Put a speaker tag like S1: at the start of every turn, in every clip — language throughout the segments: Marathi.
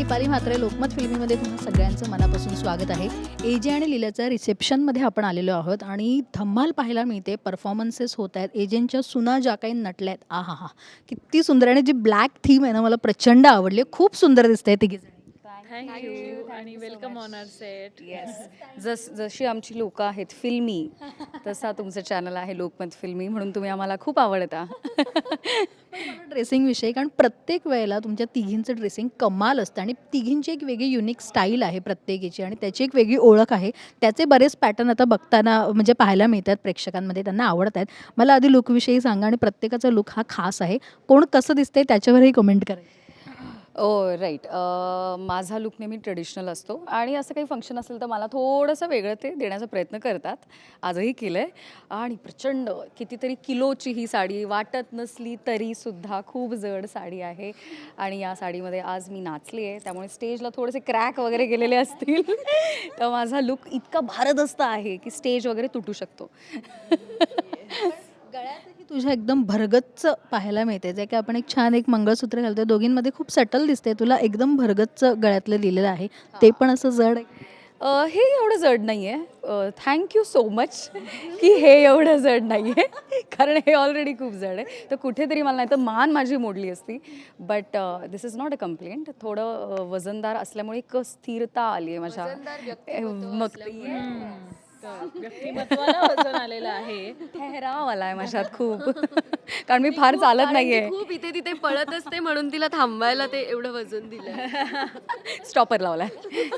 S1: दीपाली म्हात्रे लोकमत फिल्मीमध्ये तुम्हा सगळ्यांचं मनापासून स्वागत आहे. एजे आणि लीलाच्या रिसेप्शनमध्ये आपण आलेलो आहोत आणि धम्माल पाहायला मिळते. परफॉर्मन्सेस होत आहेत. एजेंच्या सुना ज्या काही नटल्या आहेत, आहा किती सुंदर. आणि जी ब्लॅक थीम आहे ना, मला प्रचंड आवडली. खूप सुंदर दिसते तिघीजणी.
S2: थँक्यू आणि welcome on our set.
S3: Yes, जशी आमची लोकं आहेत फिल्मी, तसा तुमचं चॅनल आहे लोकमत फिल्मी, म्हणून तुम्ही आम्हाला खूप आवडता.
S1: ड्रेसिंगविषयी, कारण प्रत्येक वेळेला तुमच्या तिघींचं ड्रेसिंग कमाल असतं आणि तिघींची एक वेगळी युनिक स्टाईल आहे प्रत्येकीची आणि त्याची एक वेगळी ओळख आहे. त्याचे बरेच पॅटर्न आता बघताना म्हणजे पाहायला मिळतात प्रेक्षकांमध्ये, त्यांना आवडत आहेत. मला आधी लुकविषयी सांगा आणि प्रत्येकाचा लुक हा खास आहे. कोण कसं दिसतंय त्याच्यावरही कमेंट करा.
S3: राईट. माझा लुक नेहमी ट्रेडिशनल असतो आणि असं काही फंक्शन असेल तर मला थोडंसं वेगळं ते देण्याचा प्रयत्न करतात. आजही केलं आहे आणि प्रचंड कितीतरी किलोची ही साडी वाटत नसली तरीसुद्धा खूप जड साडी आहे आणि या साडीमध्ये आज मी नाचली आहे, त्यामुळे स्टेजला थोडेसे क्रॅक वगैरे गेलेले असतील. तर माझा लुक इतका भारदस्त आहे की स्टेज वगैरे तुटू शकतो.
S1: गळ्यातही तुझ्या एकदम भरगच्च पाहायला मिळते, जे की आपण एक छान एक मंगळसूत्र घालतो. दोघींमध्ये खूप सटल दिसते. तुला एकदम भरगच्च गळ्यातलं लिहिलेलं आहे, ते पण असं जड आहे.
S3: हे एवढं जड नाही आहे. थँक्यू सो मच की हे एवढं जड नाही आहे, कारण हे ऑलरेडी खूप जड आहे. तर कुठेतरी मला नाही तर मान माझी मोडली असती. But this is not a complaint. थोडं वजनदार असल्यामुळे एक स्थिरता आली आहे माझ्या. मग
S2: व्यक्तिमत्वाला वजन आलेलं आहे.
S3: ठहराव आला आहे माझ्यात खूप. कारण मी फार चालत नाहीये.
S4: खूप इथे तिथे पळत असते म्हणून तिला थांबवायला ते एवढं वजन दिलं.
S3: स्टॉपर लावलाय.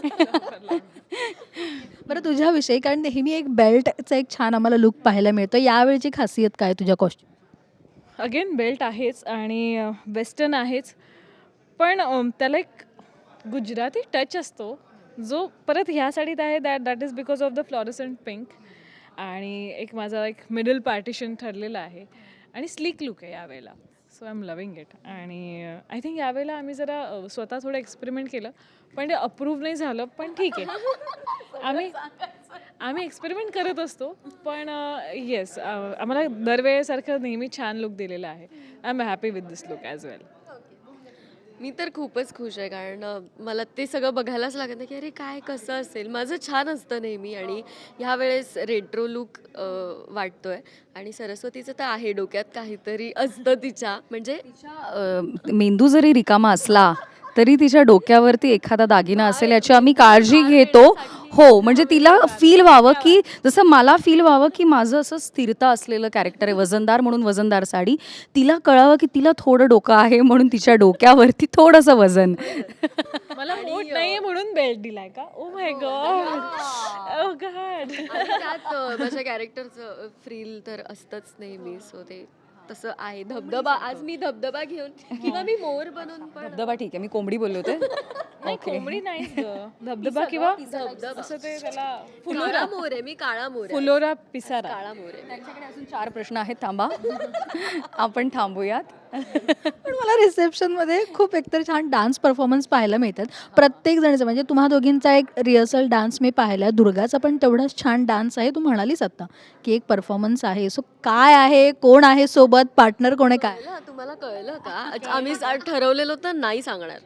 S1: बरं, तुझ्याविषयी, कारण नेहमी एक बेल्टचा एक छान आम्हाला लुक पाहायला मिळतो. यावेळची खासियत काय तुझ्या कॉस्ट्यूम?
S2: अगेन बेल्ट आहेच आणि वेस्टर्न आहेच, पण त्याला एक गुजराती टच असतो जो परत ह्या साडीत आहे. That is because of the fluorescent pink. आणि एक माझा एक मिडल पार्टिशन ठरलेलं आहे आणि स्लीक लुक आहे यावेळेला. So I am loving it. आणि आय थिंक यावेळेला आम्ही जरा स्वतः थोडं एक्सपेरिमेंट केलं, पण ते अप्रूव्ह नाही झालं. पण ठीक आहे, आम्ही एक्सपेरिमेंट करत असतो. पण येस, आम्हाला दरवेळेसारखं नेहमी छान लुक दिलेला आहे. I am happy with this look as well.
S4: मी तर खूपच खुश आहे, कारण मला ते सगळं बघायलाच लागत नाही की अरे काय कसं असेल. माझं छान असतं नेहमी आणि ह्यावेळेस रेट्रो लुक वाटतोय. आणि सरस्वतीचं तर आहे, डोक्यात काहीतरी असतं तिच्या, म्हणजे
S3: मेंदू जरी रिकामा असला तरी तिच्या डोक्यावरती एखादा दागिना असेल याची आम्ही काळजी घेतो. हो, म्हणजे तिला फील व्हावं की जसं मला फील व्हावं की माझं असं स्थिरता असलेलं कॅरेक्टर आहे, वजनदार म्हणून वजनदार साडी. तिला कळावं की तिला थोडं डोकं आहे म्हणून तिच्या डोक्यावरती थोडंसं वजन.
S2: मला मोठ नाहीये म्हणून बेल्ट दिलाय का? Oh my God, oh God.
S4: त्यात माझ्या कॅरेक्टरचं फ्रील तर असतंच नेहमी. सो ते तसं आहे. धबधबा, आज मी धबधबा घेऊन किंवा मी मोर बनून पण.
S3: धबधबा ठीक आहे, मी कोंबडी बोलले होते.
S2: नाही, कोंबडी नाही, धबधबा किंवा असं ते त्याला
S4: काळा मोर आहे, मी काळा मोर आहे.
S2: फुलोरा पिसारा.
S4: काळा मोर आहे.
S3: त्यांच्याकडे अजून 4 प्रश्न आहेत, थांबा. आपण थांबूयात.
S1: पण मला रिसेप्शनमध्ये खूप एकतर छान डान्स परफॉर्मन्स पाहायला मिळतात प्रत्येक जणीचं. म्हणजे तुम्हा दोघींचा एक रिहर्सल डान्स मी पाहिला. दुर्गाचा पण तेवढाच छान डान्स आहे. तू म्हणालीस आता की एक परफॉर्मन्स आहे. सो काय आहे, कोण आहे सोबत, पार्टनर कोण आहे, काय?
S4: तुम्हाला कळलं का? आम्ही ठरवलेलं तर नाही सांगणार.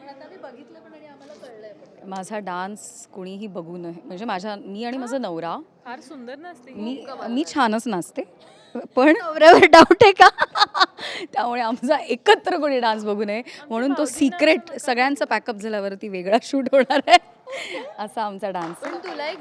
S3: माझा डान्स कुणीही बघू नये, म्हणजे मी आणि माझा नवरा,
S2: फार सुंदर नसते.
S3: मी छानच नाचते, पण
S1: नवऱ्यावर डाऊट आहे का?
S3: त्यामुळे आमचा एकत्र कोणी डान्स बघू नये म्हणून तो सिक्रेट सगळ्यांचा पॅकअप झाल्यावरती वेगळा शूट होणार आहे असा आमचा डान्स.
S4: पण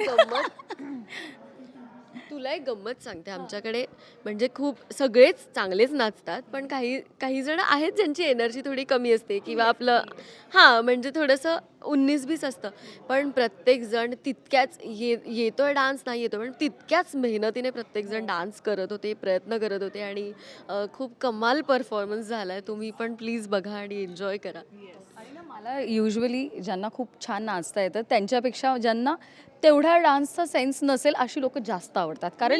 S4: तुला एक गंमत सांगते. आमच्याकडे म्हणजे खूप सगळेच चांगलेच नाचतात, पण काही जण आहेत ज्यांची एनर्जी थोडी कमी असते किंवा आपलं म्हणजे थोडंसं 19-20 असतं. पण प्रत्येकजण तितक्याच येतोय डान्स नाही येतो, पण तितक्याच मेहनतीने प्रत्येकजण डान्स करत होते, प्रयत्न करत होते आणि खूप कमाल परफॉर्मन्स झाला आहे. तुम्ही पण प्लीज बघा आणि एन्जॉय करा.
S3: मला युजली ज्यांना खूप छान नाचता येतं त्यांच्यापेक्षा ज्यांना तेवढा डान्सचा सेन्स नसेल अशी लोक जास्त आवडतात. कारण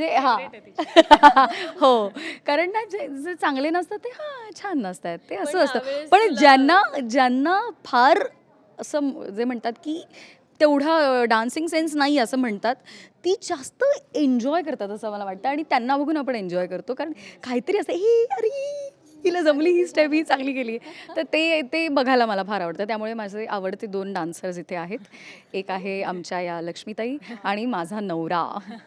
S3: हो, कारण ना जे चांगले नसतात ते छान नसतात, ते असं असतं. पण ज्यांना फार असं जे म्हणतात की तेवढा डान्सिंग सेन्स नाही असं म्हणतात, ती जास्त एन्जॉय करतात असं मला वाटतं आणि त्यांना बघून आपण एन्जॉय करतो. कारण काहीतरी असं अरे हिला जमली ही स्टेप, ही चांगली केली. तर ते बघायला मला फार आवडतं. त्यामुळे माझे आवडते 2 डान्सर्स इथे आहेत. एक आहे आमच्या या लक्ष्मीताई आणि माझा नवरा.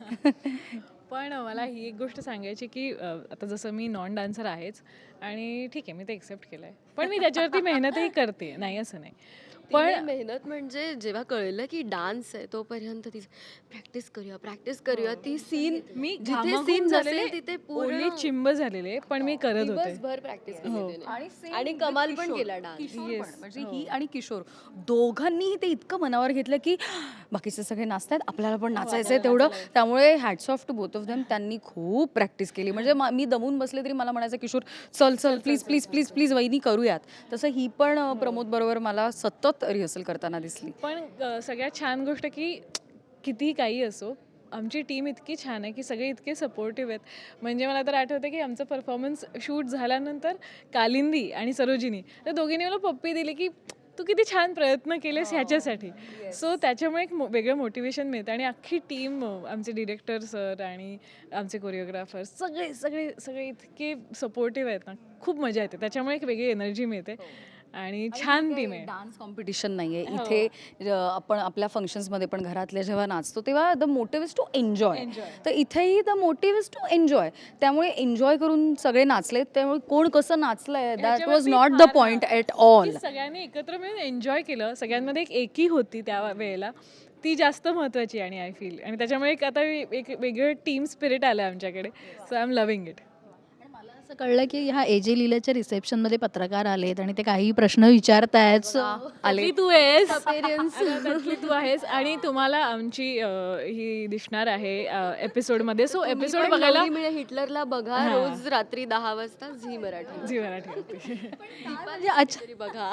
S2: पण मला ही एक गोष्ट सांगायची की आता जसं मी नॉन डान्सर आहेच आणि ठीक आहे मी ते एक्सेप्ट केलं आहे, पण मी त्याच्यावरती मेहनतही करते, नाही असं नाही.
S4: पण मेहनत म्हणजे जेव्हा कळलं की डान्स आहे तोपर्यंत ती प्रॅक्टिस करूया ती सीन
S2: मी
S4: जिथे
S2: घामाघूम
S4: सीन
S2: झालेले,
S4: नसेल तिथे
S2: ओले
S4: पूर्ण
S2: चिंब झालेले, पण मी करत होते.
S4: दिवसभर प्रॅक्टिस
S2: हो.
S4: आणि कमाल पण केला डान्स.
S3: किशोर
S2: Yes.
S3: पण, म्हणजे ही आणि किशोर दोघांनीही ते इतकं मनावर घेतलं की बाकीचे सगळे नाचतात, आपल्याला पण नाचायचं आहे तेवढं. त्यामुळे hats off to both of them. त्यांनी खूप प्रॅक्टिस केली. म्हणजे मी दमून बसले तरी मला म्हणायचं किशोर चल चल प्लीज प्लीज प्लीज प्लीज वहिनी करूयात. तसं ही पण प्रमोद बरोबर मला सतत रिहर्सल करताना दिसली.
S2: पण सगळ्यात छान गोष्ट की कितीही काही असो, आमची टीम इतकी छान आहे की सगळे इतके सपोर्टिव्ह आहेत. म्हणजे मला तर आठवतं की आमचं परफॉर्मन्स शूट झाल्यानंतर कालिंदी आणि सरोजिनी त्या दोघींनी मला पप्पी दिली की तू किती छान प्रयत्न केलेस ह्याच्यासाठी. सो त्याच्यामुळे एक वेगळं मोटिवेशन मिळतं. आणि अख्खी टीम, आमचे डिरेक्टर सर आणि आमचे कोरिओग्राफर सगळे सगळे सगळे इतके सपोर्टिव्ह आहेत ना, खूप मजा येते. त्याच्यामुळे एक वेगळी एनर्जी मिळते आणि छान टीम आहे.
S3: डान्स कॉम्पिटिशन नाहीये इथे. आपण आपल्या फंक्शन्समध्ये पण घरातल्या जेव्हा नाचतो तेव्हा the motive is to enjoy. तर इथेही the motive is to enjoy. त्यामुळे एन्जॉय करून सगळे नाचलेत. त्यामुळे कोण कसं नाचलंय that was not the point at all.
S2: की सगळ्यांनी एकत्र मिळून एन्जॉय केलं. सगळ्यांमध्ये एक एकी होती त्या वेळेला, ती जास्त महत्त्वाची आणि आय फील. आणि त्याच्यामुळे एक आता एक वेगळं टीम स्पिरिट आलं आमच्याकडे. So I am loving it.
S1: असं कळलं की ह्या एजे लीलाच्या रिसेप्शनमध्ये पत्रकार आलेत आणि ते काही प्रश्न विचारतायत.
S2: आली तू आहेस, त्यातली तू आहेस आणि तुम्हाला आमची ही दिसणार आहे एपिसोडमध्ये. सो एपिसोड बघायला
S4: हिटलरला बघा रोज रात्री 10 वाजता झी मराठी.
S2: झी मराठी होती.
S1: म्हणजे अच्छा,
S4: तरी बघा.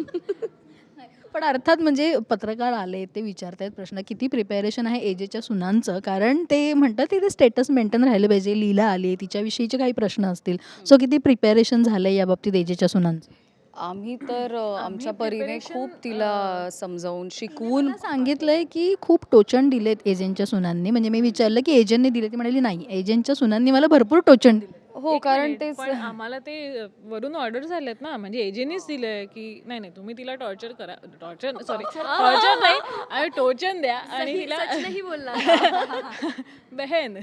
S1: पण अर्थात म्हणजे पत्रकार आले, ते विचारतायत प्रश्न. किती प्रिपेरेशन आहे एजेच्या सुनांचं, कारण ते म्हणतात की ते स्टेटस मेंटेन राहिलं पाहिजे. लीला आली, तिच्याविषयीचे काही प्रश्न असतील. सो किती प्रिपेरेशन झालं या बाबतीत एजेच्या सुनांचं?
S3: आम्ही तर आमच्या परीने खूप तिला समजावून शिकवून
S1: मला सांगितलंय की खूप टोचण दिलेत एजंटच्या सुनांनी. म्हणजे मी विचारलं की एजंटने दिले, ती म्हणाली नाही, एजंटच्या सुनांनी मला भरपूर टोचण दिले.
S3: हो, कारण ते
S2: पण आम्हाला ते वरून ऑर्डर झालेत ना, म्हणजे एजेंनीच दिलंय की नाही नाही तुम्ही तिला टॉर्चर करा. टॉर्चर नाही आणि टोचन द्या आणि तिला
S4: नाही बोलणार.
S2: बहन.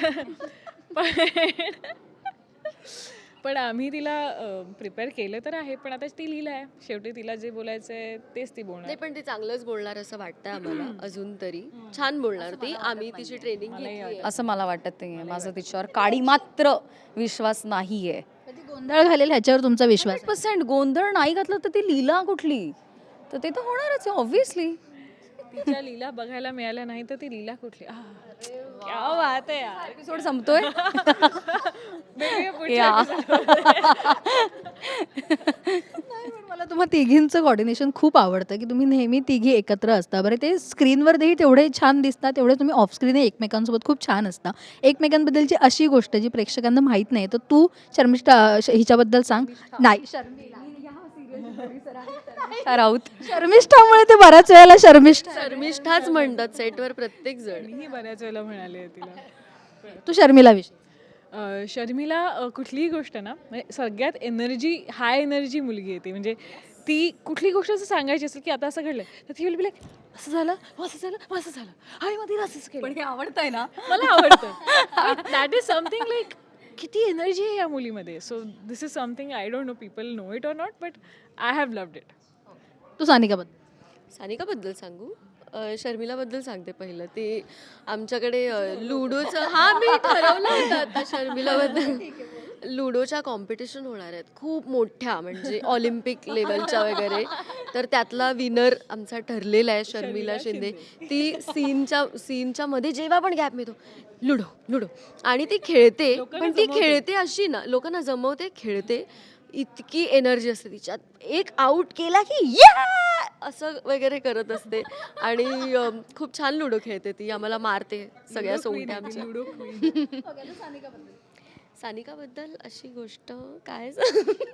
S2: पण आम्ही तिला प्रिपेअर केलं तर आहे, पण आता ती लीला आहे. शेवटी तिला जे बोलायचं आहे तेच ती बोलणार.
S4: नाही पण ती चांगलंच बोलणार असं वाटतंय आम्हाला अजून तरी. छान बोलणार ती. आम्ही तिची ट्रेनिंग घेतली.
S3: असं मला वाटत नाहीये. माझा तिच्यावर काडी मात्र विश्वास नाहीये.
S1: ती गोंधळ घालेल ह्याच्यावर तुमचा विश्वास आहे?
S3: 100% गोंधळ नाही घातलं तर ती लीला कुठली, तर ते तर होणारच आहे ऑब्व्हियसली.
S2: तिच्या लीला बघायला मिळाल्या नाही तर ती लीला कुठली. क्या बात आहे यार.
S3: एपिसोड संपतोय.
S2: भेटूया पुढच्या
S3: या.
S1: नाही, पण मला तुम्हा तिघींचं कॉर्डिनेशन खूप आवडतं की तुम्ही नेहमी तिघी एकत्र असता. बरं, ते स्क्रीनवरही तेवढे छान दिसतात, तेवढे तुम्ही ऑफ स्क्रीन एकमेकांसोबत खूप छान असता. एकमेकांबद्दलची अशी गोष्ट जी प्रेक्षकांना माहीत नाही, तर तू शर्मिष्ठा हिच्याबद्दल सांग. नाही,
S3: राऊत.
S1: शर्मिष्ठामुळे ते बऱ्याच वेळेला
S4: शर्मिष्ठाच म्हणतात सेटवर प्रत्येक जण.
S2: मीही बऱ्याच वेळेला म्हणाले तिला.
S1: तू शर्मिला विषयी.
S2: शर्मिला कुठलीही गोष्ट ना, म्हणजे सगळ्यात हाय एनर्जी मुलगी आहे ती. म्हणजे ती कुठली गोष्ट असं सांगायची असेल की आता असं घडलं तर ती विल असं झालं असं झालं आणि मग तिला असंच केलं.
S3: पण हे आवडतंय ना,
S2: मला आवडतं. दॅट इज समथिंग लाईक किती एनर्जी आहे या मुलीमध्ये. So this is something I don't know people know it or not, but I have loved it.
S1: तू सानिकाबद्दल.
S4: सानिकाबद्दल सांगू? शर्मिलाबद्दल सांगते पहिलं. ते आमच्याकडे लुडोचं मी ठरवलं होतं आता शर्मिलाबद्दल. लुडोच्या कॉम्पिटिशन होणार आहेत खूप मोठ्या, म्हणजे ऑलिम्पिक लेवलच्या वगैरे. तर त्यातला विनर आमचा ठरलेला आहे शर्मिला शिंदे. ती सीनच्या मध्ये जेव्हा पण गॅप मिळतो लुडो आणि ती खेळते. पण ती खेळते अशी ना, लोकांना जमवते, खेळते. इतकी एनर्जी असते तिच्यात. एक आऊट केला की असं वगैरे करत असते आणि खूप छान लुडो खेळते ती. आम्हाला मारते सगळ्या सोंगट्या आमच्या.
S2: Ludo queen.
S4: सानिकाबद्दल अशी गोष्ट काय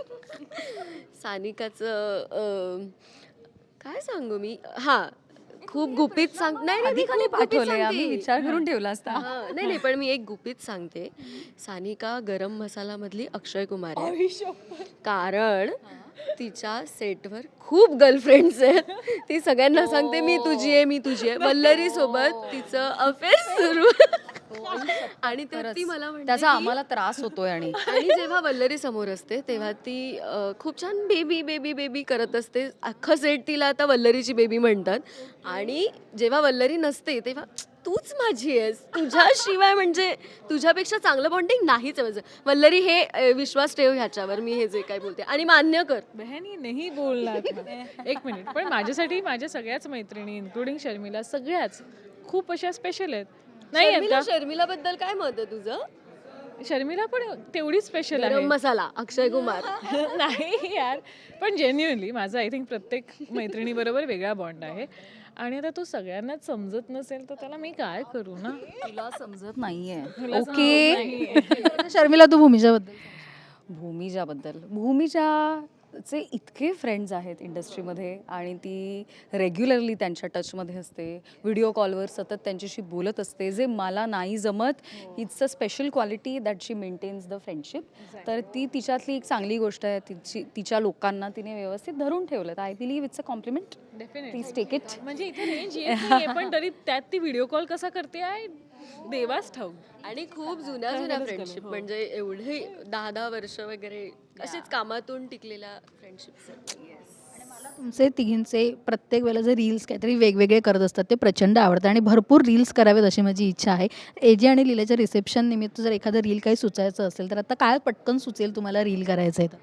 S4: सानिकाचं काय सांगू मी. खूप गुपित सांग नाही नाही,
S3: आधी
S4: मी
S3: का नाही
S4: खूप गुपित
S3: पाठवलंय? आम्ही
S4: सांगते.
S3: विचार करून ठेवला असता.
S4: नाही नाही, पण मी एक गुपित सांगते. सानिका गरम मसाला मधली अक्षय कुमार आहे, कारण तिच्या सेटवर खूप गर्लफ्रेंड्स आहेत. ती सगळ्यांना सांगते मी तुझी आहे, मी तुझी आहे. वल्लरी सोबत तिचं अफेअर सुरू आणि त्यात ती मला म्हणते
S3: त्याचा
S4: की-
S3: आम्हाला त्रास होतोय. आणि
S4: आणि जेव्हा वल्लरी समोर असते तेव्हा ती खूप छान बेबी बेबी बेबी करत असते. अख्खं सेट तिला आता वल्लरीची बेबी म्हणतात. आणि जेव्हा वल्लरी नसते तेव्हा तूच माझी आहेस, तुझ्याशिवाय म्हणजे तुझ्यापेक्षा चांगलं बॉन्डिंग नाहीच आहे माझं. वल्लरी हे विश्वास ठेव ह्याच्यावर, मी हे जे काय बोलते आणि मान्य कर.
S2: बहनी नाही बोलणार एक मिनिट. पण माझ्यासाठी माझ्या सगळ्याच मैत्रिणी इन्क्लुडिंग शर्मिला सगळ्याच खूप अशा स्पेशल आहेत. नाही आहेत का?
S4: शर्मिला बद्दल काय मत आहे तुझं?
S2: शर्मिला पण तेवढीच स्पेशल
S4: गरम
S2: आहे.
S4: मसाला अक्षय कुमार.
S2: नाही यार, पण जेन्युअनली माझा आय थिंक प्रत्येक मैत्रिणीबरोबर वेगळा बॉन्ड आहे. आणि आता तो सगळ्यांनाच समजत नसेल तर त्याला मी काय करू ना.
S3: तुला समजत नाहीये.
S2: तुला समजत
S3: ओके.
S2: नाहीये.
S1: शर्मिला, तू भूमिजाबद्दल
S3: भूमिजाबद्दल, भूमिजाचे इतके फ्रेंड्स आहेत इंडस्ट्रीमध्ये आणि ती रेग्युलरली त्यांच्या टचमध्ये असते. व्हिडिओ कॉलवर सतत त्यांच्याशी बोलत असते, जे मला नाही जमत. It's a special quality that she maintains the friendship. तर ती तिच्यातली एक चांगली गोष्ट आहे. तिच्या लोकांना तिने व्यवस्थित धरून ठेवलं. तर I believe it's a compliment. Please take it.
S2: म्हणजे इथे रेंज येत नाहीये, पण तरी त्यात ती व्हिडिओ कॉल कसा करते आहे देवाच ठाऊक.
S4: आणि खूप जुन्या फ्रेंडशिप, म्हणजे एवढे 10-10 वर्ष वगैरे असेच कामातून टिकलेल्या फ्रेंडशिप्स.
S1: तुमचे तिघींचे प्रत्येक वेळेला जे रील्स काहीतरी वेगवेगळे करत असतात ते प्रचंड आवडतं आणि भरपूर रील्स करावेत अशी माझी इच्छा आहे. एजे आणि लीलाच्या रिसेप्शन निमित्त जर एखादं रील काही सुचायचं असेल तर आता काय पटकन सुचेल तुम्हाला रील करायचं आहे तर?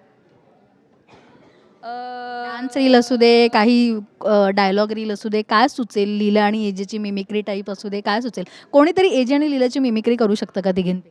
S1: डान्स रील असू दे, काही डायलॉग रील असू दे, काय सुचेल? लीला आणि एजेची मिमिक्री टाईप असू दे, काय सुचेल? कोणीतरी एजे आणि लीलाची मिमिक्री करू शकतं का तिघींपैकी?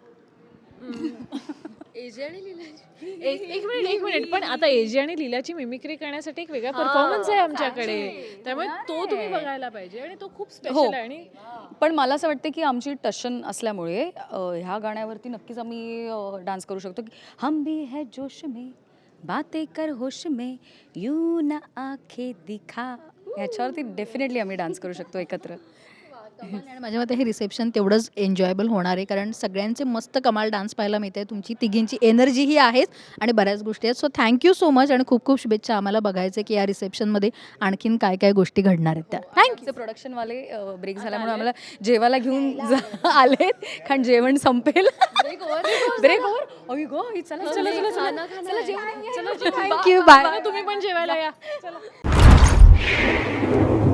S4: एजे आणि लीला
S2: एक मिनिट पण आता एजे आणि लीलाची मिमिक्री करण्यासाठी एक वेगळा परफॉर्मन्स आहे आमच्याकडे, त्यामुळे तो तुम्ही बघायला पाहिजे. आणि तो खूप
S3: हो.
S2: स्पेशल आहे. आणि
S3: पण मला असं वाटतं की आमची टशन असल्यामुळे ह्या गाण्यावरती नक्कीच आम्ही डान्स करू शकतो की हम भी है जोश में बातें कर होश में यू ना आंखें दिखा. ह्याच्यावरती डेफिनेटली आम्ही डान्स करू शकतो एकत्र.
S1: आणि माझ्या मते हे रिसेप्शन तेवढंच एन्जॉयबल होणार आहे कारण सगळ्यांचे मस्त कमाल डान्स पाहायला मिळते. तुमची तिघींची एनर्जीही आहेच आणि बऱ्याच गोष्टी आहेत. सो थँक्यू सो मच आणि खूप खूप शुभेच्छा. आम्हाला बघायचं की या रिसेप्शनमध्ये आणखीन काय काय गोष्टी घडणार आहेत त्या.
S3: थँक्यू. प्रोडक्शनवाले ब्रेक झाल्यामुळे आम्हाला जेवायला घेऊन आलेत, कारण जेवण संपेल. Break over. अय गो, चला चला चला चला चला जेवण.
S1: Thank you, bye.
S2: तुम्ही पण जेवायला या. चला.